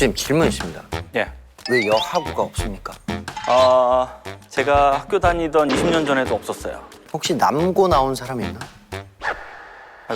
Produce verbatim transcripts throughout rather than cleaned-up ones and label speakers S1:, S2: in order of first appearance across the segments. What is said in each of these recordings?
S1: 교수님 질문 있습니다.
S2: 예.
S1: 왜 여하구가 없습니까?
S2: 어, 제가 학교 다니던 이십 년 전에도 없었어요.
S1: 혹시 남고 나온 사람 있나?
S2: 아유,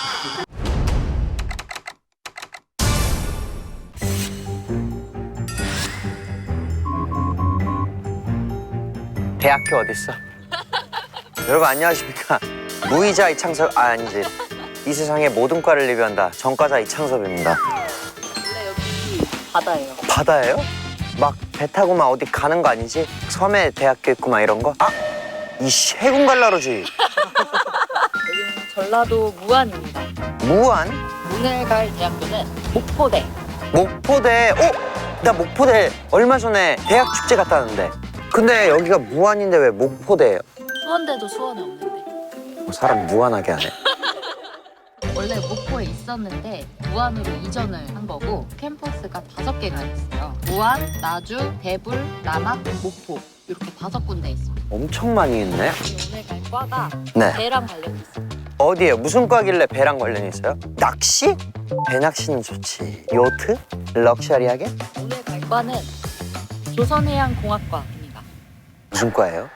S1: 대학교 어딨어? 여러분 안녕하십니까? 무이자 이창섭, 아 아니지. 이 세상의 모든 과를 리뷰한다. 전과자 이창섭입니다.
S3: 원래 여기 바다예요.
S1: 바다예요? 막 배 타고 막 어디 가는 거 아니지? 섬에 대학교 있고 막 이런 거? 아! 이 해군 갈라로지.
S3: 여기는 전라도 무안입니다.
S1: 무안?
S3: 오늘 갈 대학교는 목포대.
S1: 목포대. 어? 나 목포대 얼마 전에 대학 축제 갔다 왔는데. 근데 여기가 무안인데 왜 목포대예요?
S3: 수원대도 수원에 없는데.
S1: 뭐 사람 무안하게 하네.
S3: 원래 목포에 있었는데 무안으로 이전을 한 거고 캠퍼스가 다섯 개가 있어요. 무안, 나주, 대불, 남학, 목포 이렇게 다섯 군데 있습니다.
S1: 엄청 많이 있네.
S3: 오늘 갈 과가
S1: 네.
S3: 배랑 관련이 있어요.
S1: 어디에요? 무슨 과길래 배랑 관련이 있어요? 낚시? 배 낚시는 좋지. 요트? 럭셔리하게?
S3: 오늘 갈 과는 조선해양공학과입니다.
S1: 무슨 과예요?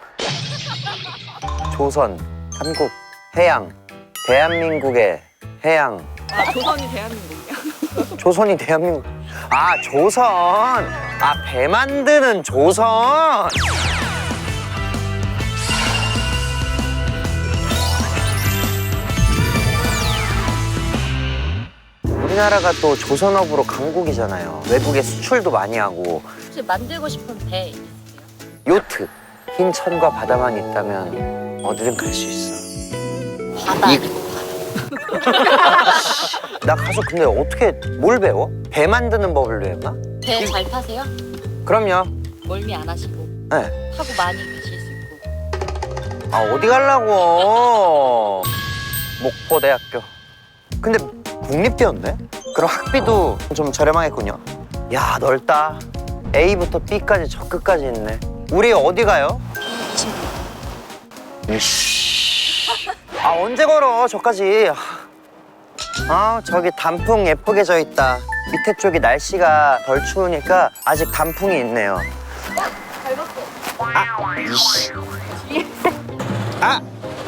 S1: 조선, 한국, 해양, 대한민국의 해양.
S4: 아, 조선이 대한민국이야.
S1: 조선이 대한민국. 아, 조선. 아, 배 만드는 조선. 우리나라가 또 조선업으로 강국이잖아요. 외국에 수출도 많이 하고.
S3: 혹시 만들고 싶은 배 있으세요?
S1: 요트. 흰 천과 바다만 있다면 어디든 갈 수 있어.
S3: 바다.
S1: 이- 나 가서 근데 어떻게 뭘 배워? 배 만드는 법을 배웠나?
S3: 배 잘 타세요?
S1: 그럼요.
S3: 멀미 안 하시고
S1: 네.
S3: 타고 많이 가실 수 있고.
S1: 아 어디 가려고? 목포대학교. 근데 국립대였네? 그럼 학비도 좀 저렴하겠군요. 야 넓다. A부터 B까지 저 끝까지 있네. 우리 어디 가요? 이씨. 아 언제 걸어 저까지. 아 저기 단풍 예쁘게 져 있다. 밑에 쪽이 날씨가 덜 추우니까 아직 단풍이 있네요. 아 이씨. 아.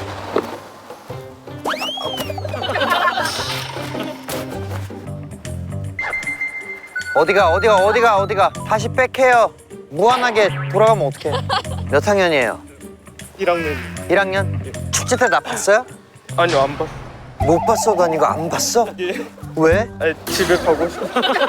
S1: 어디가 어디가 어디가 어디가 다시 백해요. 무한하게 돌아가면 어떡해. 몇 학년이에요?
S5: 일 학년.
S1: 일 학년? 축제 때 나 봤어요?
S5: 아니요, 안 봤.
S1: 못 봤어도 아니고 안 봤어?
S5: 예.
S1: 왜?
S5: 아니, 집에 가고 싶어.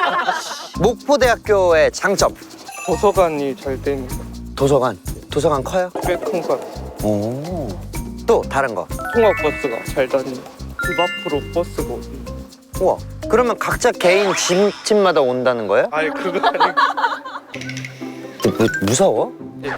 S1: 목포대학교의 장점.
S5: 도서관이 잘 되는 거.
S1: 도서관. 도서관 커요?
S5: 꽤 큰 거.
S1: 오. 또 다른 거.
S5: 통학 버스가 잘 다니는. 집 앞으로 버스가 오는.
S1: 우와. 그러면 각자 개인 집, 집마다 온다는 거예요?
S5: 아니, 그거 아니고.
S1: 무, 무서워?
S5: 예.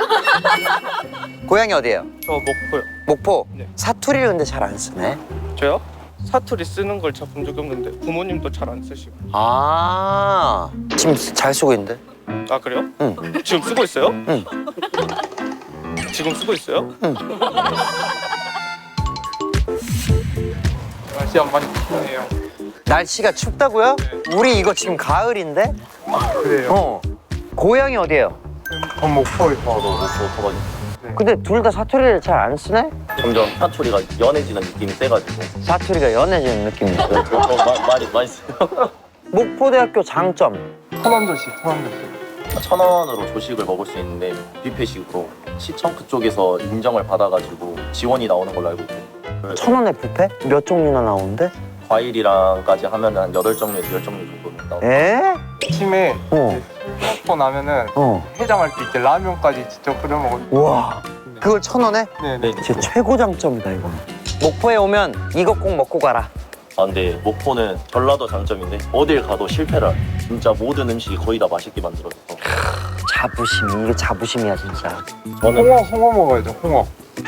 S1: 고향이 어디예요?
S5: 저 목포요.
S1: 목포.
S5: 네.
S1: 사투리를 근데 잘 안 쓰네.
S5: 저요? 사투리 쓰는 걸 잘 본 적이 없는데 부모님도 잘 안 쓰시고.
S1: 아. 지금 잘 쓰고 있는데?
S5: 아, 그래요?
S1: 응.
S5: 지금 쓰고 있어요?
S1: 응.
S5: 지금 쓰고 있어요?
S1: 응.
S5: 날씨 안 많이 춥네요.
S1: 날씨가 춥다고요? 우리 이거 지금 가을인데?
S5: 그래요?
S1: 어. 고향이 어디예요?
S5: 전 목포에
S6: 어, 너 목포 도박이.
S1: 근데 둘 다 사투리를 잘 안 쓰네?
S6: 점점 사투리가 연해지는 느낌이 세가지고.
S1: 사투리가 연해지는 느낌이 있어.
S6: 어, 마, 많이 많이 써요.
S1: 목포대학교 장점.
S5: 천안도시, 천안도시.
S6: 천 원으로 조식을 먹을 수 있는데 뷔페식으로 시청크 쪽에서 인정을 받아가지고 지원이 나오는 걸로 알고 있고. 그래서
S1: 천 원에 뷔페? 몇 종류나 나오는데?
S6: 과일이랑까지 하면 한 여덟 종류에서 열 종류 정도는 나오고.
S1: 에?
S5: 아침에
S1: 어.
S5: 먹고 나면은
S1: 어.
S5: 해장할 때 이제 라면까지 직접 끓여 먹어요.
S1: 우와. 그걸 천 원에?
S5: 네네.
S6: 네.
S1: 진짜 최고 장점이다 이거. 목포에 오면 이거 꼭 먹고 가라.
S6: 아 근데 목포는 전라도 장점인데 어딜 가도 실패를 안 해요. 진짜 모든 음식이 거의 다 맛있게 만들어져서.
S1: 자부심. 이게 자부심이야 진짜.
S6: 저는
S5: 홍어, 홍어 먹어야죠, 홍어.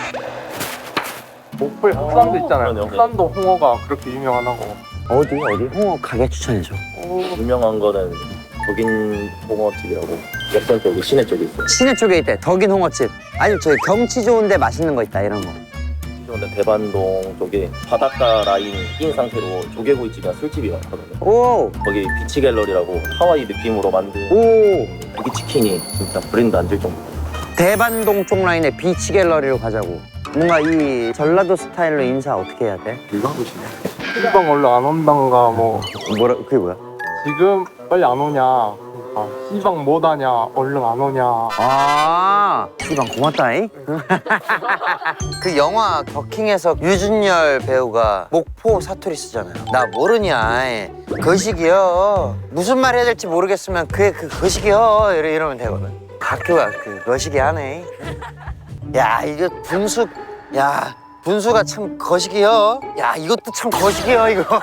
S5: 목포에 흑산도 있잖아요.
S6: 그러네요.
S5: 흑산도 홍어가 그렇게 유명하다고.
S1: 어디 어디? 홍어 가게 추천해줘.
S6: 유명한 거는 덕인 홍어집이라고 역전 쪽에 시내 쪽에 있어요.
S1: 시내 쪽에 있대. 덕인 홍어집. 아니 저기 경치 좋은데 맛있는 거 있다 이런 거.
S6: 오시면 대반동 쪽에 바닷가 라인 낀 상태로 조개구이집이나 술집이 많거든요.
S1: 오!
S6: 거기 비치 갤러리라고 하와이 느낌으로 만든
S1: 오!
S6: 고기 치킨이 진짜 브랜드 안 될 정도.
S1: 대반동 쪽 라인의 비치 갤러리로 가자고. 뭔가 이 전라도 스타일로 인사 어떻게 해야 돼?
S5: 일방도시네. 시방 원래 안 온단가 뭐
S1: 뭐라, 그게 뭐야?
S5: 지금 빨리 안 오냐. 아, 시방 못 하냐. 얼른 안 오냐.
S1: 아, 이방 고맙다잉. 그 영화 더킹에서 유준열 배우가 목포 사투리 쓰잖아요. 나 모르냐. 거식이요. 무슨 말 해야 될지 모르겠으면 그게 그 거식이요. 이러, 이러면 되거든. 학교가 그 거식이 하네. 야, 이거 분수, 야, 분수가 참 거식이요. 야, 이것도 참 거식이요, 이거.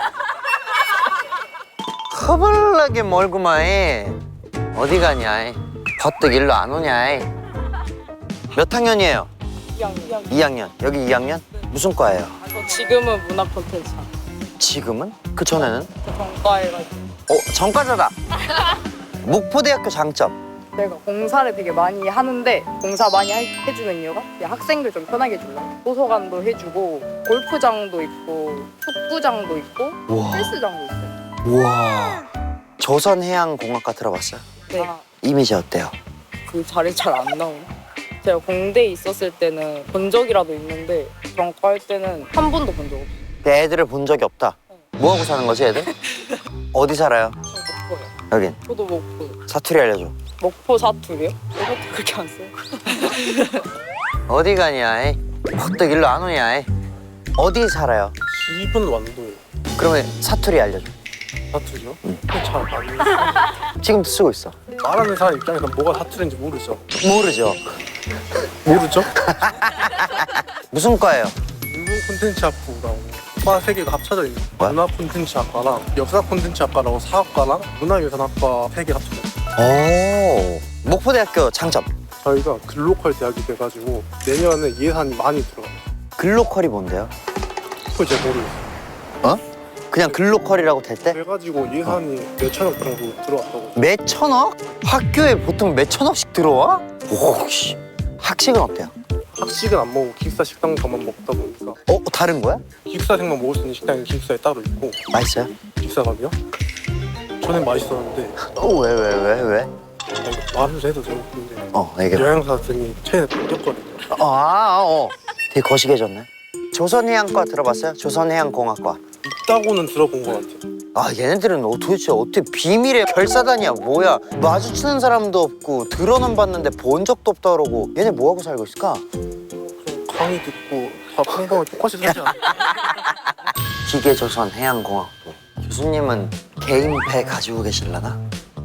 S1: 허벌나게 멀구만. 어디 가냐? 버뜩 일로 안 오냐? 몇 학년이에요?
S4: 이 학년.
S1: 이 학년. 여기 이 학년? 무슨 과예요?
S4: 저 지금은 문학 콘텐츠
S1: 지금은? 그 전에는?
S4: 전과해가지고
S1: 어, 전과자다. 목포대학교 장점.
S7: 내가 공사를 되게 많이 하는데 공사 많이 할- 해주는 이유가 그냥 학생들 좀 편하게 해주려. 도서관도 해주고 골프장도 있고 축구장도 있고
S1: 우와.
S7: 헬스장도 있어요.
S1: 우와. 조선해양공학과 들어봤어요?
S7: 네.
S1: 이미지 어때요?
S7: 그 자리 잘 안 나오네. 제가 공대에 있었을 때는 본 적이라도 있는데 전과할 때는 한 번도 본 적 없어요.
S1: 애들을 본 적이 없다. 뭐 하고 사는 거지, 애들? 어디 살아요?
S7: 저 목포요.
S1: 여긴.
S7: 저도 목포.
S1: 사투리 알려줘.
S7: 목포 사투리요? 저것도 그렇게 안 써요.
S1: 어디 가냐? 이? 버뜩 일로 안 오냐? 이? 어디 살아요?
S5: 집은 완도예요.
S1: 그러면 사투리 알려줘.
S5: 사투리요?
S1: 응.
S5: 잘안
S1: 지금도 쓰고 있어.
S5: 말하는 사람 입장에서 뭐가 사투리인지 모르죠.
S1: 모르죠.
S5: 모르죠?
S1: 무슨 과예요?
S5: 문화 콘텐츠 학부라고 과 세 개가 합쳐져 있는
S1: 뭐야?
S5: 문화 콘텐츠 학과랑 역사 콘텐츠 학과라고 사학과랑 문화유산학과 세 개 합쳐져 있어요.
S1: 오. 목포대학교 장점.
S5: 저희가 글로컬 대학이 돼가지고 내년에 예산이 많이 들어가요.
S1: 글로컬이 뭔데요?
S5: 그걸 잘 모르겠어요.
S1: 어? 그냥 글로컬이라고 될 때?
S5: 그래가지고 예산이 몇천억 정도 들어왔다고.
S1: 몇 천억? 학교에 보통 몇 천억씩 들어와? 오씨. 학식은 어때요?
S5: 학식은 안 먹고 기숙사 식당만 먹다 보니까
S1: 어? 다른 거야?
S5: 기숙사생만 먹을 수 있는 식당이 기숙사에 따로 있고.
S1: 맛있어요?
S5: 기숙사가요? 전엔 맛있었는데
S1: 어, 왜, 왜, 왜, 왜?
S5: 아, 말을 해도 되고 근데
S1: 어, 얘기해.
S5: 여행사 등이 최근에 바뀌었거든요.
S1: 어, 아, 어. 되게 거시기해졌네. 조선해양과 들어봤어요? 조선해양공학과.
S5: 있다고는 들어본 것 같아요.
S1: 아, 얘네들은 어, 도대체 어떻게 비밀의 결사단이야, 뭐야? 마주치는 사람도 없고 들어는 봤는데 본 적도 없다 그러고 얘네 뭐하고 살고 있을까?
S5: 좀 강의 듣고 다 평범하게 똑같이 살지 않아요?
S1: 기계조선해양공학부. 교수님은 개인배 가지고 계실라나?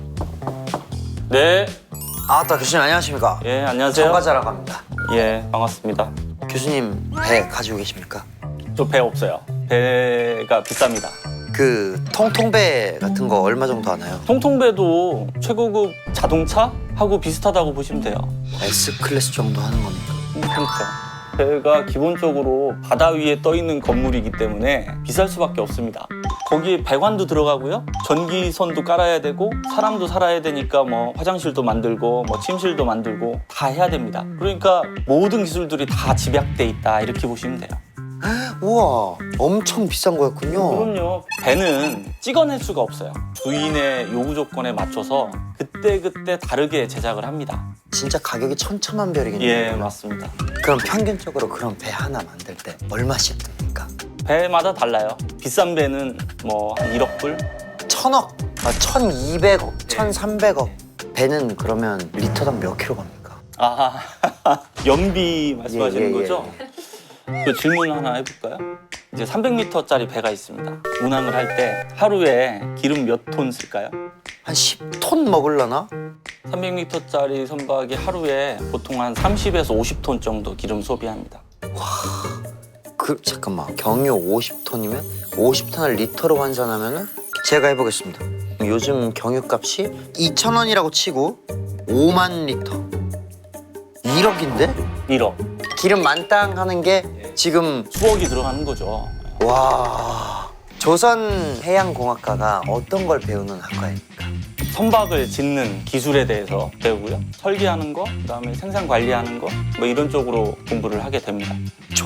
S2: 네,
S1: 아따, 교수님 안녕하십니까?
S2: 예, 안녕하세요.
S1: 전과자라고 합니다.
S2: 예, 반갑습니다.
S1: 교수님 배 가지고 계십니까?
S2: 저 배 없어요. 배가 비쌉니다.
S1: 그 통통배 같은 거 얼마 정도 하나요?
S2: 통통배도 최고급 자동차하고 비슷하다고 보시면 돼요.
S1: S클래스 정도 하는 겁니까?
S2: 그러니까 배가 기본적으로 바다 위에 떠 있는 건물이기 때문에 비쌀 수밖에 없습니다. 거기에 배관도 들어가고요, 전기선도 깔아야 되고 사람도 살아야 되니까 뭐 화장실도 만들고 뭐 침실도 만들고 다 해야 됩니다. 그러니까 모든 기술들이 다 집약돼 있다 이렇게 보시면 돼요.
S1: 우와, 엄청 비싼 거였군요.
S2: 그럼요. 배는 찍어낼 수가 없어요. 주인의 요구 조건에 맞춰서 그때그때 다르게 제작을 합니다.
S1: 진짜 가격이 천차만별이겠네요.
S2: 예, 맞습니다.
S1: 그럼 평균적으로 그런 배 하나 만들 때 얼마씩 듭니까?
S2: 배마다 달라요. 비싼 배는 뭐 한 일억 불?
S1: 천억, 아, 천이백억, 천삼백억. 배는 그러면 리터당 몇 킬로 갑니까?
S2: 아, 연비 말씀하시는
S1: 예, 예,
S2: 거죠? 그 질문 하나 해볼까요? 이제 삼백 미터짜리 배가 있습니다. 운항을 할 때 하루에 기름 몇 톤 쓸까요?
S1: 한 십 톤 먹을라나?
S2: 삼백 미터짜리 선박이 하루에 보통 한 삼십에서 오십 톤 정도 기름 소비합니다.
S1: 그 잠깐만, 경유 오십 톤이면 오십 톤을 리터로 환산하면은 제가 해보겠습니다. 요즘 경유값이 이천 원이라고 치고 오만 리터. 일억인데?
S2: 일억.
S1: 기름 만땅 하는 게 지금
S2: 수억이 들어가는 거죠.
S1: 와. 조선해양공학과가 어떤 걸 배우는 학과입니까?
S2: 선박을 짓는 기술에 대해서 배우고요. 설계하는 거, 그다음에 생산 관리하는 거, 뭐 이런 쪽으로 공부를 하게 됩니다.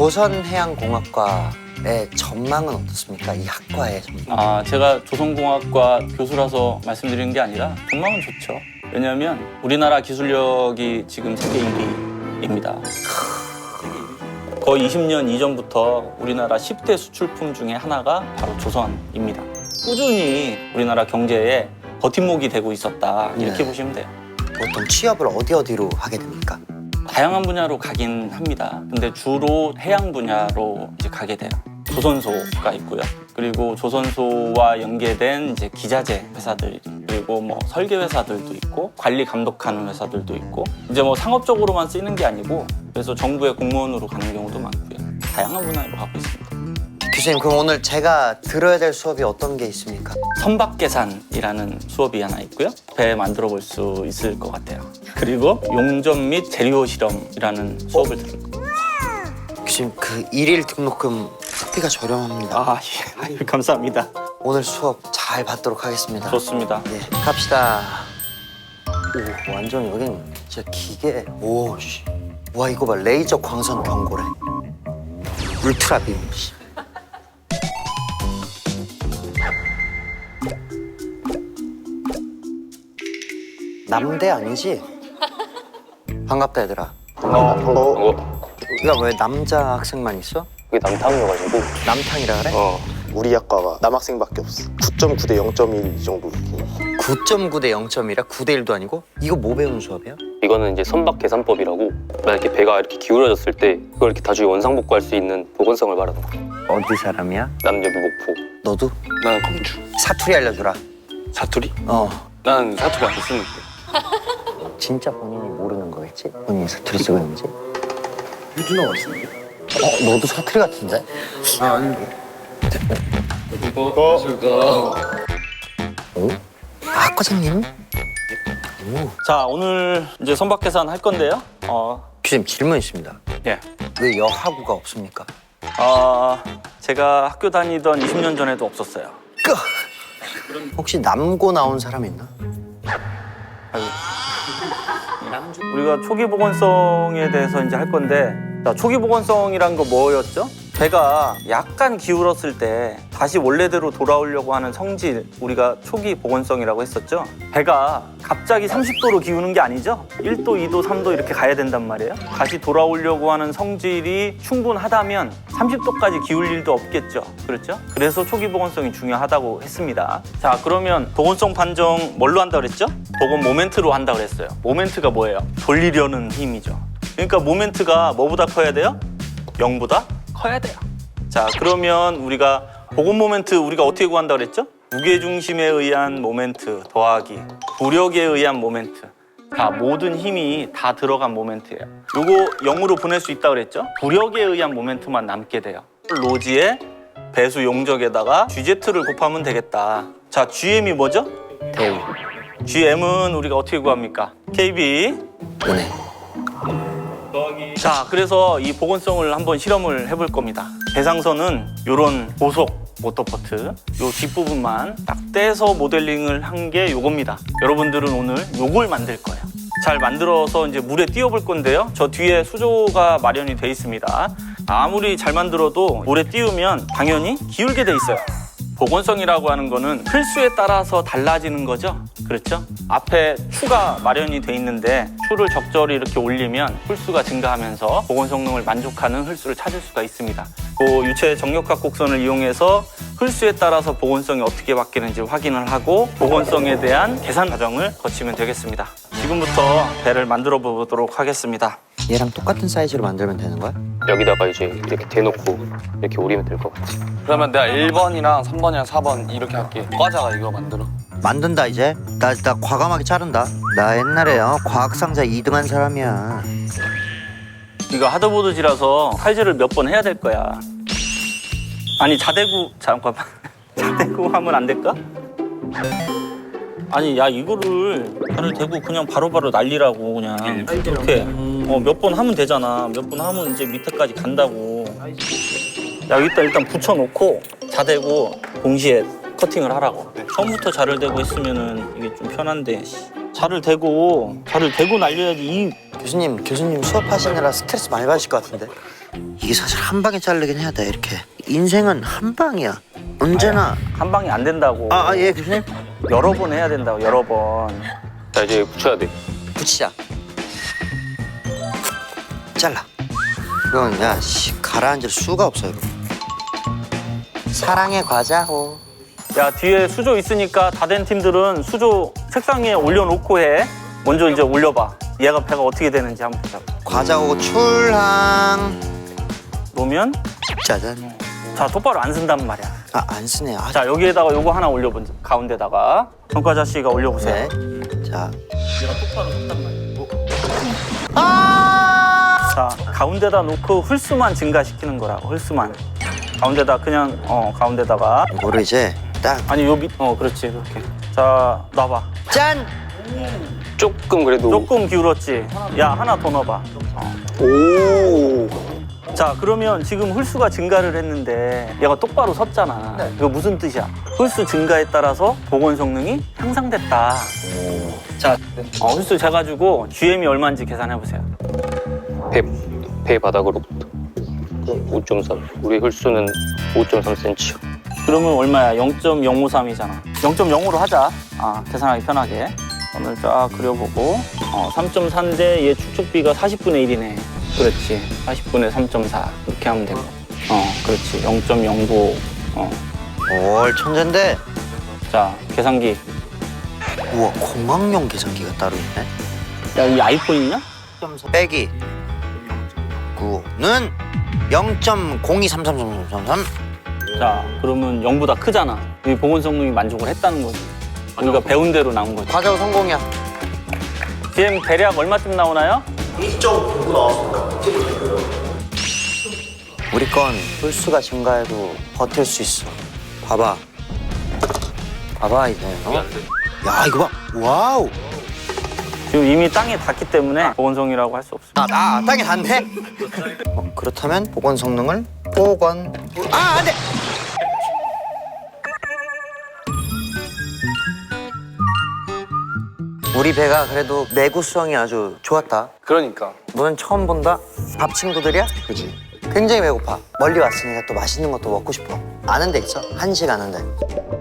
S1: 조선해양공학과의 전망은 어떻습니까? 이 학과의 전망.
S2: 아, 제가 조선공학과 교수라서 말씀드리는 게 아니라 전망은 좋죠. 왜냐하면 우리나라 기술력이 지금 세계 일 위입니다. 거의 이십 년 이전부터 우리나라 십 대 수출품 중에 하나가 바로 조선입니다. 꾸준히 우리나라 경제에 버팀목이 되고 있었다, 이렇게
S1: 네.
S2: 보시면 돼요.
S1: 보통 취업을 어디 어디로 하게 됩니까?
S2: 다양한 분야로 가긴 합니다. 근데 주로 해양 분야로 이제 가게 돼요. 조선소가 있고요. 그리고 조선소와 연계된 이제 기자재 회사들, 그리고 뭐 설계 회사들도 있고 관리 감독하는 회사들도 있고, 이제 뭐 상업적으로만 쓰이는 게 아니고 그래서 정부의 공무원으로 가는 경우도 많고요. 다양한 분야로 가고 있습니다.
S1: 교수님, 그럼 오늘 제가 들어야 될 수업이 어떤 게 있습니까?
S2: 선박계산이라는 수업이 하나 있고요. 배 만들어 볼 수 있을 것 같아요. 그리고 용접 및 재료 실험이라는 수업을 들을 거예요.
S1: 교수님, 그 일일 등록금 학비가 저렴합니다.
S2: 아, 예. 아유, 감사합니다.
S1: 오늘 수업 잘 받도록 하겠습니다.
S2: 좋습니다.
S1: 네, 갑시다. 오, 완전 여긴 진짜 기계. 오, 씨. 와, 이거 봐. 레이저 광선 경고래. 울트라 빔. 씨. 남대 아니지? 반갑다, 얘들아.
S8: 반가워. 반가워.
S1: 야, 왜 남자 학생만 있어?
S8: 그게 남탕이어가지고.
S1: 남탕이라 그래?
S8: 어. 우리 학과가 남학생밖에 없어. 구 점 구 대 영 점 일 이 정도.
S1: 구 점 구 대 영 점 일이라 구 대 일도 아니고? 이거 뭐 배우는 수업이야?
S9: 이거는 이제 선박 계산법이라고, 만약에 배가 이렇게 기울어졌을 때 그걸 이렇게 나중에 원상복구할 수 있는 보건성을 말하는 거야.
S1: 어디 사람이야?
S9: 남녀비 목포.
S1: 너도?
S8: 나는 공주.
S1: 사투리 알려주라.
S8: 사투리?
S1: 어.
S8: 나는 사투리 안 쓰는데.
S1: 진짜 본인이 모르는 거겠지? 본인이 사투리 쓰고 있는지?
S8: 유준호가 쓰는데?
S1: 어, 너도 사투리 같은데?
S8: 아, 아닌데. 이거
S1: 어? 아, 과장님?
S2: 자, 오늘 이제 선박 계산 할 건데요. 어,
S1: 교수님, 질문 있습니다.
S2: 예.
S1: 왜 여하구가 없습니까?
S2: 아, 제가 학교 다니던 이십 년 전에도 없었어요.
S1: 끄! 혹시 남고 나온 사람 있나?
S2: 우리가 초기 보건성에 대해서 이제 할 건데, 자, 초기 보건성이란 거 뭐였죠? 배가 약간 기울었을 때 다시 원래대로 돌아오려고 하는 성질, 우리가 초기 보건성이라고 했었죠. 배가 갑자기 삼십 도로 기우는 게 아니죠. 일 도, 이 도, 삼 도 이렇게 가야 된단 말이에요. 다시 돌아오려고 하는 성질이 충분하다면 삼십 도까지 기울 일도 없겠죠. 그렇죠? 그래서 초기 보건성이 중요하다고 했습니다. 자, 그러면 보건성 판정 뭘로 한다고 그랬죠? 보건 모멘트로 한다고 그랬어요. 모멘트가 뭐예요? 돌리려는 힘이죠. 그러니까 모멘트가 뭐보다 커야 돼요? 영보다 커야 돼요. 자, 그러면 우리가 보건 모멘트 우리가 어떻게 구한다고 그랬죠? 무게중심에 의한 모멘트 더하기 부력에 의한 모멘트. 다 모든 힘이 다 들어간 모멘트예요. 요거 영으로 보낼 수 있다고 그랬죠? 부력에 의한 모멘트만 남게 돼요. 로지의 배수 용적에다가 지제트를 곱하면 되겠다. 자, 지엠이 뭐죠?
S1: 대우.
S2: 지엠은 우리가 어떻게 구합니까? 케이비
S1: 은혜.
S2: 자, 그래서 이 보건성을 한번 실험을 해볼 겁니다. 배상선은 요런 고속 모터포트 요 뒷부분만 딱 떼서 모델링을 한 게 요겁니다. 여러분들은 오늘 요걸 만들 거예요. 잘 만들어서 이제 물에 띄워볼 건데요. 저 뒤에 수조가 마련이 돼 있습니다. 아무리 잘 만들어도 물에 띄우면 당연히 기울게 돼 있어요. 보건성이라고 하는 거는 필수에 따라서 달라지는 거죠. 그렇죠? 앞에 추가 마련이 돼 있는데 추를 적절히 이렇게 올리면 홀수가 증가하면서 보건 성능을 만족하는 홀수를 찾을 수가 있습니다. 그 유체 정력각 곡선을 이용해서 홀수에 따라서 보건성이 어떻게 바뀌는지 확인을 하고 보건성에 대한 계산 과정을 거치면 되겠습니다. 지금부터 배를 만들어 보도록 하겠습니다.
S1: 얘랑 똑같은 사이즈로 만들면 되는 거야?
S9: 여기다가 이제 이렇게 대놓고 이렇게 오리면 될 것 같아.
S8: 그러면 내가 일 번이랑 삼 번이랑 사 번 이렇게 할게. 과자가 이거 만들어.
S1: 만든다 이제. 나, 나 과감하게 자른다. 나 옛날에 어, 과학상자 이 등 한 사람이야.
S2: 이거 하드보드지라서 칼질을 몇 번 해야 될 거야. 아니 자대구 잠깐만 자대구 하면 안 될까? 아니 야 이거를 발을 대고 그냥 바로바로 날리라고 그냥 이렇게 어, 몇 번 하면 되잖아. 몇 번 하면 이제 밑에까지 간다고. 야 여기다 일단 붙여놓고 자대고 동시에 커팅을 하라고. 처음부터 자를 대고 있으면은 이게 좀 편한데 자를 대고 자를 대고 날려야지. 이
S1: 교수님, 교수님 수업하시느라 스트레스 많이 받으실 것 같은데. 이게 사실 한 방에 자르긴 해야 돼, 이렇게. 인생은 한 방이야. 언제나.
S2: 한 방에 안 된다고.
S1: 아, 아, 예, 교수님.
S2: 여러 번 해야 된다고, 여러 번.
S9: 자 이제 붙여야 돼.
S1: 붙이자. 잘라. 이건 야, 씨, 가라앉을 수가 없어, 이거. 사랑의 과자호.
S2: 야, 뒤에 수조 있으니까 다 된 팀들은 수조 책상 위에 올려놓고 해. 먼저 이제 올려봐. 얘가 배가 어떻게 되는지 한번 보자.
S1: 과자호 출항.
S2: 놓으면
S1: 짜잔.
S2: 자, 똑바로 안 쓴단 말이야.
S1: 아, 안 쓰네. 아,
S2: 자, 여기에다가 요거 하나 올려보자. 가운데다가 전과자 씨가 올려보세요.
S1: 네. 자.
S2: 얘가 똑바로 섰단 말이야.
S1: 아!
S2: 자, 가운데다 놓고 홀수만 증가시키는 거라고. 홀수만. 가운데다 그냥 어 가운데다가
S1: 이거를 이제 딱.
S2: 아니 요 밑 어 그렇지 그렇게. 자, 놔봐.
S1: 짠!
S9: 조금 그래도.
S2: 조금 기울었지. 야, 하나 더 넣어봐. 어.
S9: 오.
S2: 자, 그러면 지금 홀수가 증가를 했는데 얘가 똑바로 섰잖아.
S1: 네.
S2: 이거 무슨 뜻이야? 홀수 증가에 따라서 복원 성능이 향상됐다. 자, 어, 홀수 재가지고 지엠이 얼마인지 계산해보세요.
S9: 배, 배 바닥으로부터 오 점 삼. 우리 홀수는 오 점 삼 센티미터.
S2: 그러면 얼마야? 영 점 영오삼이잖아. 영 점 영오로 하자. 아, 계산하기 편하게. 오늘 쫙 그려보고 어, 삼 점 사인데 얘 축적비가 사십분의 일이네. 그렇지. 사십분의 삼 점 사. 이렇게 하면 되고. 어, 그렇지. 영 점 영구. 어.
S1: 올 천재인데.
S2: 자, 계산기.
S1: 우와, 공학용 계산기가 따로 있네.
S2: 야, 이 아이폰이냐?
S1: 빼기 구는 영 점 공이삼삼삼삼삼.
S2: 자, 그러면 영보다 크잖아. 이 복원 성능이 만족을 했다는 거지. 우리가 배운 대로 나온 거지.
S1: 과자호 성공이야.
S2: 지금 대략 얼마쯤 나오나요?
S1: 이 점 구구 나왔습니다. 우리 건 홀수가 증가해도 버틸 수 있어. 봐봐. 봐봐 이제. 어? 야, 이거 봐. 와우.
S2: 지금 이미 땅에 닿기 때문에 복원성이라고 할 수 없어.
S1: 아, 아, 땅에 닿네. 어, 그렇다면 복원 성능을 복원. 아, 안 돼. 우리 배가 그래도 내구성이 아주 좋았다.
S8: 그러니까.
S1: 너는 처음 본다? 밥 친구들이야?
S8: 그지.
S1: 굉장히 배고파. 멀리 왔으니까 또 맛있는 것도 먹고 싶어. 아는 데 있어? 한식 아는 데.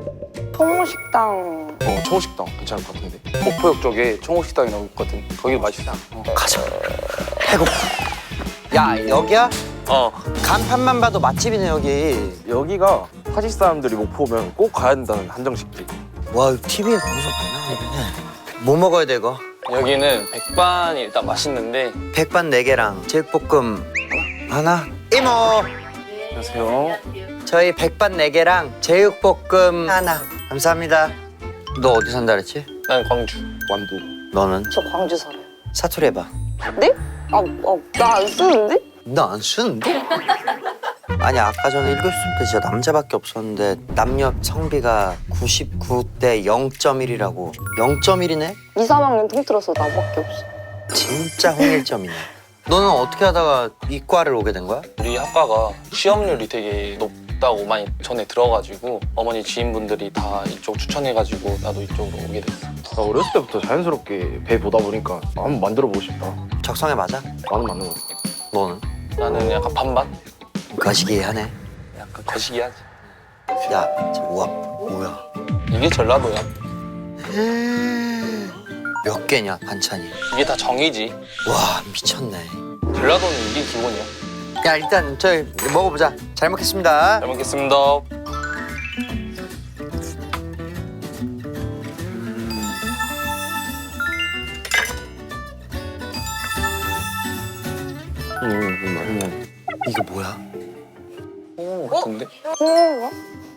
S7: 통식당
S8: 어, 청호식당 괜찮을 것 같은데. 목포역 쪽에 청호식당이라고 있거든. 거기 맛있어. 어.
S1: 가자. 배고파. 야, 여기야?
S8: 어.
S1: 간판만 봐도 맛집이네, 여기.
S8: 여기가 파지 사람들이 목포 오면 꼭 가야 된다는 한정식집.
S1: 와, 티비에 방송 안 나오네. 뭐 먹어야 돼, 이거?
S8: 여기는 백반이 일단 맛있는데.
S1: 백반 네 개랑 제육볶음 하나? 하나? 이모!
S8: 안녕하세요.
S1: 저희 백반 네 개랑 제육볶음 하나. 감사합니다. 너 어디 산다 그랬지?
S8: 난 광주. 완도.
S1: 너는?
S7: 저 광주 살아요.
S1: 사투리 해봐.
S7: 네? 아, 아, 나 안 쓰는데?
S1: 나 안 쓰는데? 아니, 아까 전에 읽었을 때 진짜 남자밖에 없었는데 남녀 성비가 구십구 대 영 점 일이라고. 영 점 일이네?
S7: 이, 삼 학년 통틀어서 나밖에 없어.
S1: 진짜 홍일점이네. 너는 어떻게 하다가 이과를 오게 된 거야?
S10: 우리 학과가 취업률이 되게 높다고 많이 전에 들어가지고 어머니 지인분들이 다 이쪽 추천해가지고 나도 이쪽으로 오게 됐어.
S8: 나 어렸을 때부터 자연스럽게 배 보다 보니까 한번 만들어보고 싶다.
S1: 적성에 맞아?
S8: 나는 맞는 것 같아.
S1: 너는?
S10: 나는 약간 반반?
S1: 거시기하네.
S10: 약간 거시기하지.
S1: 야, 저 우와, 뭐야?
S10: 이게 전라도야.
S1: 몇 개냐, 반찬이?
S10: 이게 다 정이지.
S1: 와, 미쳤네.
S10: 전라도는 이게 기본이야.
S1: 야, 일단 저희 먹어보자. 잘 먹겠습니다.
S10: 잘 먹겠습니다.
S8: 음,
S1: 이거 뭐야?
S10: 홍어 같은데?
S7: 홍어가?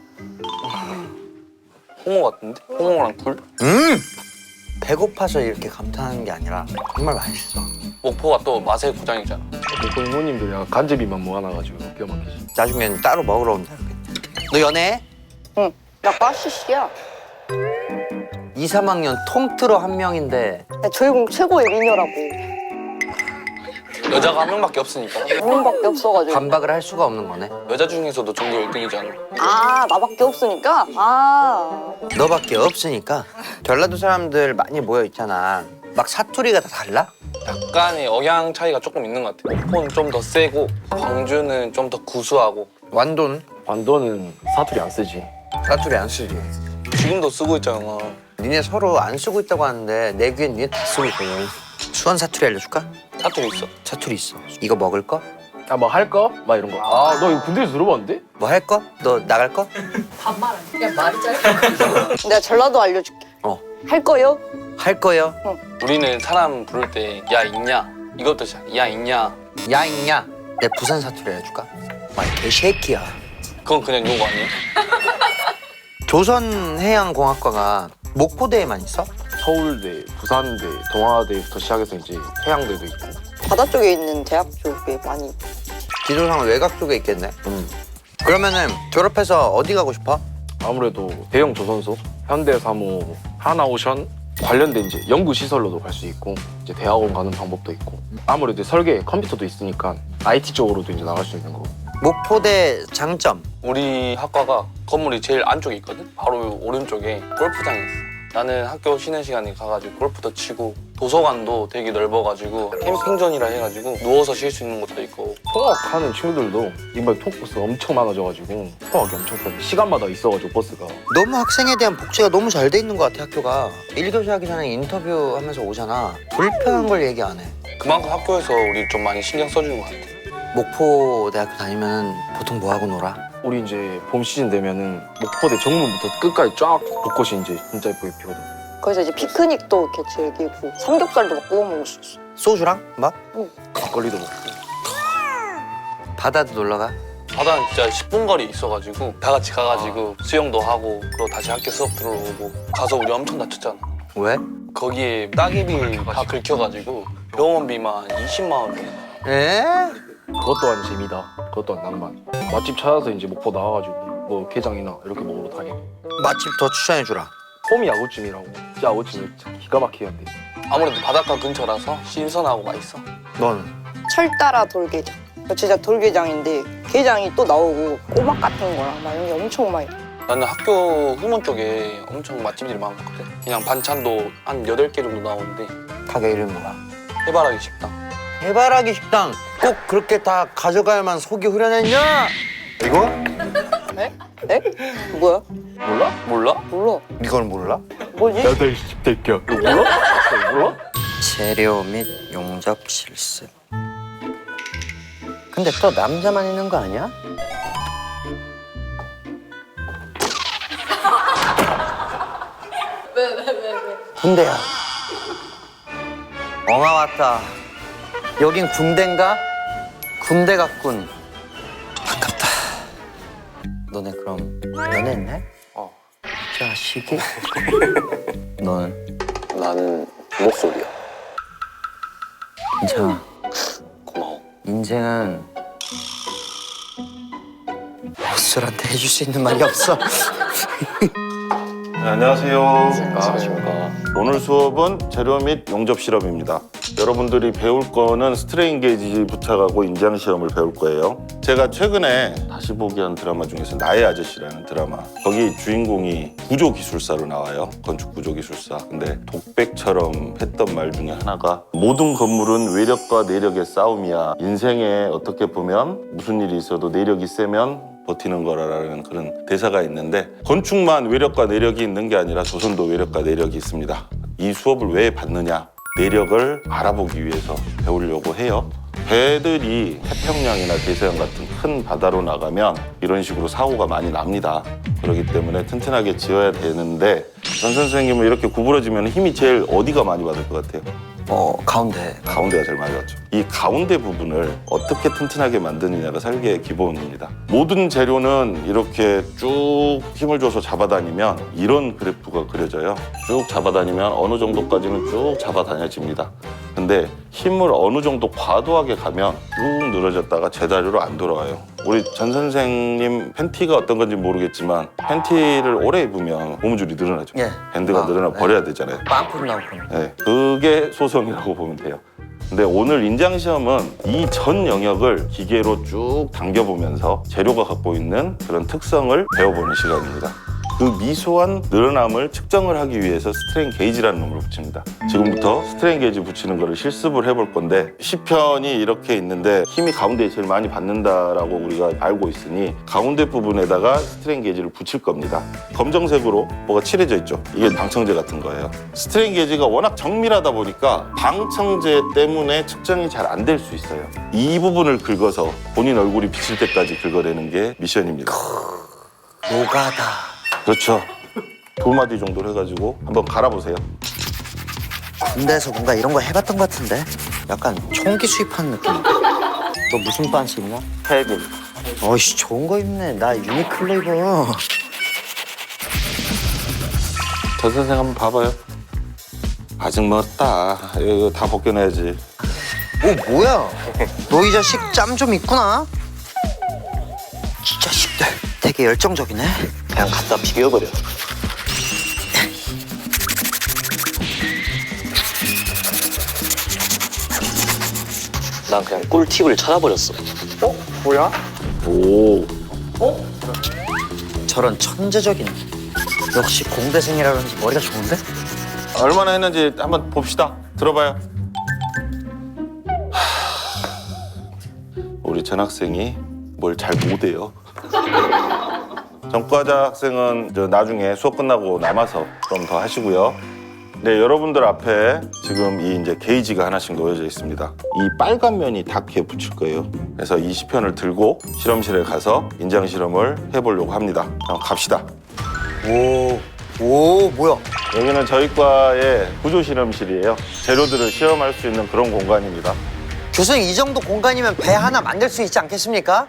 S10: 홍어 같은데? 홍어랑 굴?
S1: 음! 배고파서 이렇게 감탄하는 게 아니라 정말 맛있어.
S10: 목포가 또 맛의 고장이잖아.
S8: 목포 이모님들 약간 간제비만 모아놔가지고 기가 막히지.
S1: 나중엔 따로 먹으러 온다. 너 연애해?
S7: 응. 나 빠시시야.
S1: 이, 삼 학년 통틀어 한 명인데
S7: 저희 공 최고의 미녀라고.
S10: 여자가 한 명밖에 없으니까.
S7: 한 명밖에 없어가지고.
S1: 반박을 할 수가 없는 거네.
S10: 여자 중에서도 전교 일 등이잖아.
S7: 아, 나밖에 없으니까? 아.
S1: 너밖에 없으니까. 전라도 사람들 많이 모여 있잖아. 막 사투리가 다 달라?
S10: 약간의 억양 차이가 조금 있는 것 같아. 목포는 좀 더 세고 광주는 좀 더 구수하고.
S1: 완도는?
S8: 완도는 사투리 안 쓰지.
S1: 사투리 안 쓰지.
S10: 지금도 쓰고 있잖아.
S1: 니네 서로 안 쓰고 있다고 하는데 내 귀엔 니네 다 쓰고 있거든. 수원 사투리 알려줄까?
S10: 사투리 있어.
S1: 사투리 있어. 이거 먹을 거?
S8: 아 뭐 할 거? 막 이런 거. 아 너 이거 군대에서 들어봤는데?
S1: 뭐 할 거? 너 나갈 거?
S3: 그냥 말이 짧아.
S7: 내가 전라도 알려줄게.
S1: 어.
S7: 할 거요?
S1: 할 거요?
S10: 우리는 사람 부를 때 야 있냐 이것도 시작. 야 있냐.
S1: 야 있냐? 내 부산 사투리 알려줄까? 마 개새끼야.
S10: 그건 그냥 욕 아니야?
S1: 조선해양공학과가 목포대에만 있어?
S8: 서울대, 부산대, 동아대부터 시작해서 이제 해양대도 있고.
S7: 바다 쪽에 있는 대학 쪽에 많이.
S1: 기조상 외곽 쪽에 있겠네.
S8: 음.
S1: 그러면은 졸업해서 어디 가고 싶어?
S8: 아무래도 대형 조선소, 현대사무, 하나오션 관련된 이제 연구 시설로도 갈 수 있고 이제 대학원 가는 방법도 있고 아무래도 설계 컴퓨터도 있으니까 아이티 쪽으로도 이제 나갈 수 있는 거고.
S1: 목포대 장점.
S10: 우리 학과가 건물이 제일 안쪽에 있거든? 바로 오른쪽에 골프장이 있어. 나는 학교 쉬는 시간에 가가지고 골프도 치고 도서관도 되게 넓어가지고 캠핑존이라 해가지고 누워서 쉴 수 있는 것도 있고.
S8: 통학하는 친구들도 이번에 통학버스 엄청 많아져가지고 통학이 엄청 편해. 시간마다 있어가지고 버스가.
S1: 너무 학생에 대한 복지가 너무 잘 돼 있는 것 같아 학교가. 일 교시 하기 전에 인터뷰 하면서 오잖아. 불편한 걸 얘기 안 해.
S10: 그만큼 학교에서 우리 좀 많이 신경 써주는 것 같아.
S1: 목포대학교 다니면 보통 뭐 하고 놀아?
S8: 우리 이제 봄 시즌 되면은 목포대 정문부터 끝까지 쫙 벚꽃이 이제 진짜 예쁘게 피거든.
S7: 거기서 이제 피크닉도 이렇게 즐기고 삼겹살도 막 구워 먹을 수 있어.
S1: 소주랑 막?
S8: 막걸리도 먹고.
S1: 바다도 놀러 가?
S10: 바다는 진짜 십 분 거리 있어가지고 다 같이 가가지고 수영도 하고 그리고 다시 학교 수업 들어오고 가서 우리 엄청 다쳤잖아.
S1: 왜?
S10: 거기에 따개비 다 긁혀가지고 병원비만 이십만 원 내.
S1: 에?
S8: 그것 또한 재미다. 그것 또한 낭만. 맛집 찾아서 이제 목포 나와가지고 뭐 게장이나 이렇게 먹으러 다니고.
S1: 맛집 더 추천해주라.
S8: 홈이 아구찜이라고. 진짜 아구찜이 진짜 기가 막히게 한대.
S10: 아무래도 바닷가 근처라서 신선하고 맛있어.
S1: 너는?
S7: 철따라 돌게장. 진짜 돌게장인데 게장이 또 나오고 꼬막 같은 거랑 막 이런 게 엄청 많이.
S10: 나는 학교 후문 쪽에 엄청 맛집들이 많거든. 그냥 반찬도 한 여덟 개 정도 나오는데
S1: 가게 이름 뭐야?
S10: 해바라기 식당.
S1: 해바라기 식당 꼭 그렇게 다 가져가야만 속이 후련했냐? 이거?
S7: 에? 에? 뭐야?
S10: 몰라? 몰라?
S7: 몰라.
S1: 이걸 몰라?
S7: 뭐지?
S8: 야들 십대끼야. 이거 몰라? 이거 몰라?
S1: 재료 및 용접 실습. 근데 또 남자만 있는 거 아니야?
S4: 왜, 왜, 왜, 왜?
S1: 군대야. 엉아 왔다. 여긴 군대인가? 군대 같군. 아깝다. 너네 그럼 연애했네?
S10: 어.
S1: 자식이? 너는?
S9: 나는 목소리야.
S1: 괜찮아.
S9: 고마워.
S1: 인생은 헛술한테 해줄 수 있는 말이 없어.
S11: 네, 안녕하세요.
S9: 안녕하십니까.
S11: 오늘 수업은 재료 및 용접 실험입니다. 여러분들이 배울 거는 스트레인 게이지 부착하고 인장 시험을 배울 거예요. 제가 최근에 다시 보기 한 드라마 중에서 나의 아저씨라는 드라마, 거기 주인공이 구조기술사로 나와요. 건축 구조기술사. 근데 독백처럼 했던 말 중에 하나가 모든 건물은 외력과 내력의 싸움이야. 인생에 어떻게 보면 무슨 일이 있어도 내력이 세면 버티는 거라는 그런 대사가 있는데, 건축만 외력과 내력이 있는 게 아니라 조선도 외력과 내력이 있습니다. 이 수업을 왜 받느냐? 내력을 알아보기 위해서 배우려고 해요. 배들이 태평양이나 대서양 같은 큰 바다로 나가면 이런 식으로 사고가 많이 납니다. 그렇기 때문에 튼튼하게 지어야 되는데, 전 선생님은 이렇게 구부러지면 힘이 제일 어디가 많이 받을 것 같아요?
S1: 어, 가운데.
S11: 가운데가 제일 많이 받죠. 이 가운데 부분을 어떻게 튼튼하게 만드느냐가 설계의 기본입니다. 모든 재료는 이렇게 쭉 힘을 줘서 잡아다니면 이런 그래프가 그려져요. 쭉 잡아다니면 어느 정도까지는 쭉 잡아다녀집니다. 근데 힘을 어느 정도 과도하게 가면 쭉 늘어졌다가 제자리로 안 돌아와요. 우리 전 선생님 팬티가 어떤 건지 모르겠지만 팬티를 오래 입으면 고무줄이 늘어나죠.
S1: 예.
S11: 밴드가
S1: 아,
S11: 늘어나
S1: 네.
S11: 버려야 되잖아요.
S1: 빵꾸로 나오고.
S11: 네, 그게 소성이라고 보면 돼요. 근데 오늘 인장 시험은 이 전 영역을 기계로 쭉 당겨보면서 재료가 갖고 있는 그런 특성을 배워보는 시간입니다. 그 미소한 늘어남을 측정을 하기 위해서 스트레인 게이지라는 놈을 붙입니다. 지금부터 스트레인 게이지 붙이는 거를 실습을 해볼 건데 시편이 이렇게 있는데 힘이 가운데에 제일 많이 받는다라고 우리가 알고 있으니 가운데 부분에다가 스트레인 게이지를 붙일 겁니다. 검정색으로 뭐가 칠해져 있죠. 이게 방청제 같은 거예요. 스트레인 게이지가 워낙 정밀하다 보니까 방청제 때문에 측정이 잘 안 될 수 있어요. 이 부분을 긁어서 본인 얼굴이 비칠 때까지 긁어내는 게 미션입니다.
S1: 노가다.
S11: 그렇죠. 두 마디 정도로 해가지고 한번 갈아보세요.
S1: 군대에서 뭔가 이런 거 해봤던 것 같은데? 약간 총기 수입하는 느낌. 너 무슨 반스 입냐?
S2: 헬빈.
S1: 어이씨, 좋은 거 입네. 나 유니클로 입어.
S11: 전 선생 한번 봐봐요. 아직 멀었다. 이거 다 벗겨내야지.
S1: 오, 뭐야? 너 이 자식 짬 좀 있구나? 이 자식들 되게 열정적이네.
S9: 그냥 갖다 비벼버려. 난 그냥 꿀팁을 찾아버렸어.
S5: 어? 뭐야?
S11: 오.
S1: 저런 천재적인. 역시 공대생이라 그런지 머리가 좋은데?
S11: 얼마나 했는지 한번 봅시다. 들어봐요. 하... 우리 전 학생이 뭘 잘 못해요. 전과자 학생은 저 나중에 수업 끝나고 남아서 좀 더 하시고요. 네, 여러분들 앞에 지금 이 이제 게이지가 하나씩 놓여져 있습니다. 이 빨간 면이 닿게 붙일 거예요. 그래서 이 시편을 들고 실험실에 가서 인장 실험을 해보려고 합니다. 그럼 갑시다.
S1: 오, 오, 뭐야?
S11: 여기는 저희 과의 구조 실험실이에요. 재료들을 시험할 수 있는 그런 공간입니다.
S1: 교수님, 이 정도 공간이면 배 하나 만들 수 있지 않겠습니까?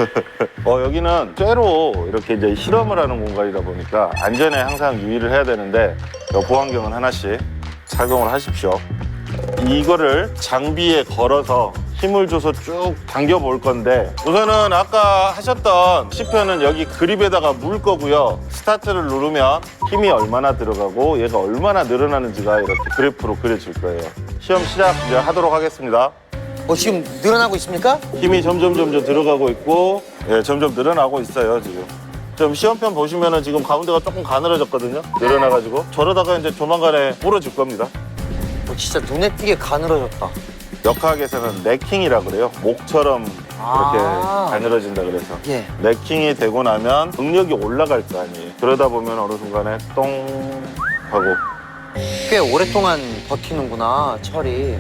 S11: 어, 여기는 쇠로 이렇게 이제 실험을 하는 공간이다 보니까 안전에 항상 유의를 해야 되는데 보안경은 하나씩 착용을 하십시오. 이거를 장비에 걸어서 힘을 줘서 쭉 당겨 볼 건데 우선은 아까 하셨던 시편은 여기 그립에다가 물 거고요. 스타트를 누르면 힘이 얼마나 들어가고 얘가 얼마나 늘어나는지가 이렇게 그래프로 그려질 거예요. 시험 시작 이제 하도록 하겠습니다.
S1: 어, 지금 늘어나고 있습니까?
S11: 힘이 점점 점점 들어가고 있고 예, 점점 늘어나고 있어요 지금. 좀 시험편 보시면은 지금 가운데가 조금 가늘어졌거든요. 늘어나가지고 저러다가 이제 조만간에 부러질 겁니다.
S1: 어, 진짜 눈에 띄게 가늘어졌다.
S11: 역학에서는 넥킹이라 그래요. 목처럼 이렇게
S1: 아.
S11: 가늘어진다 그래서.
S1: 예.
S11: 넥킹이 되고 나면 응력이 올라갈 거 아니에요. 그러다 보면 어느 순간에 똥 하고.
S1: 꽤 오랫동안 버티는구나, 철이.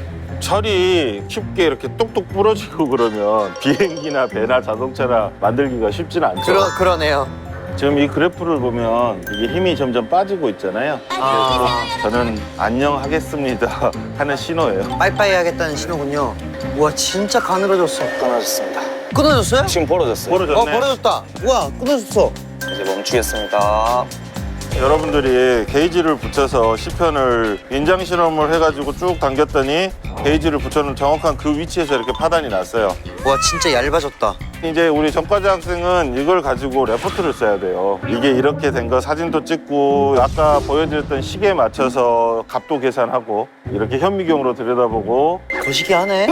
S11: 철이 쉽게 이렇게 뚝뚝 부러지고 그러면 비행기나 배나 자동차나 만들기가 쉽지는 않죠.
S1: 그러, 그러네요.
S11: 지금 이 그래프를 보면 이게 힘이 점점 빠지고 있잖아요.
S1: 아.
S11: 그래서 저는 안녕하겠습니다 하는 신호예요.
S1: 빠이빠이 하겠다는 신호군요. 우와, 진짜 가늘어졌어.
S9: 끊어졌습니다.
S1: 끊어졌어요?
S9: 지금 벌어졌어요.
S11: 벌어졌네.
S1: 어, 벌어졌다. 우와, 끊어졌어.
S9: 이제 멈추겠습니다.
S11: 여러분들이 게이지를 붙여서 시편을 인장 실험을 해가지고 쭉 당겼더니 게이지를 붙여놓은 정확한 그 위치에서 이렇게 파단이 났어요.
S1: 와, 진짜 얇아졌다.
S11: 이제 우리 전과자 학생은 이걸 가지고 레포트를 써야 돼요. 이게 이렇게 된 거 사진도 찍고 아까 보여드렸던 시계에 맞춰서 값도 계산하고 이렇게 현미경으로 들여다보고
S1: 거시기하네.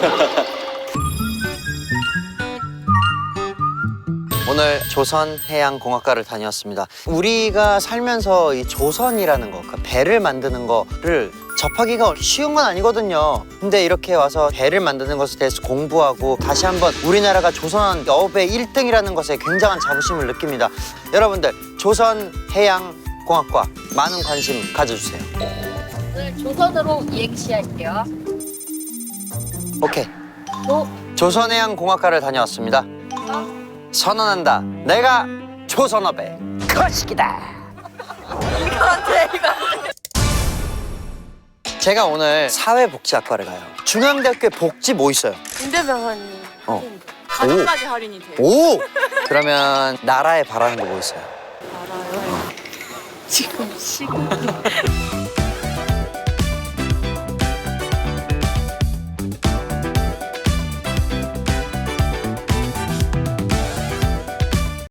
S1: 오늘 조선해양공학과를 다녔습니다. 우리가 살면서 이 조선이라는 거, 그러니까 배를 만드는 거를 접하기가 쉬운 건 아니거든요. 근데 이렇게 와서 배를 만드는 것에 대해서 공부하고 다시 한번 우리나라가 조선 여배 일 등이라는 것에 굉장한 자부심을 느낍니다. 여러분들, 조선해양공학과 많은 관심 가져주세요.
S3: 오늘 조선으로 이행시 할게요.
S1: 오케이.
S3: 조,
S1: 조선해양공학과를 다녀왔습니다. 선언한다. 내가 조선업의 거식이다. 제가 오늘 사회복지학과를 가요. 중앙대학교에 복지 뭐 있어요?
S4: 군대병원이
S1: 어.
S4: 가족까지 할인이 돼요.
S1: 오! 그러면 나라에 바라는 거 뭐 있어요?
S4: 알아요. 지금 시간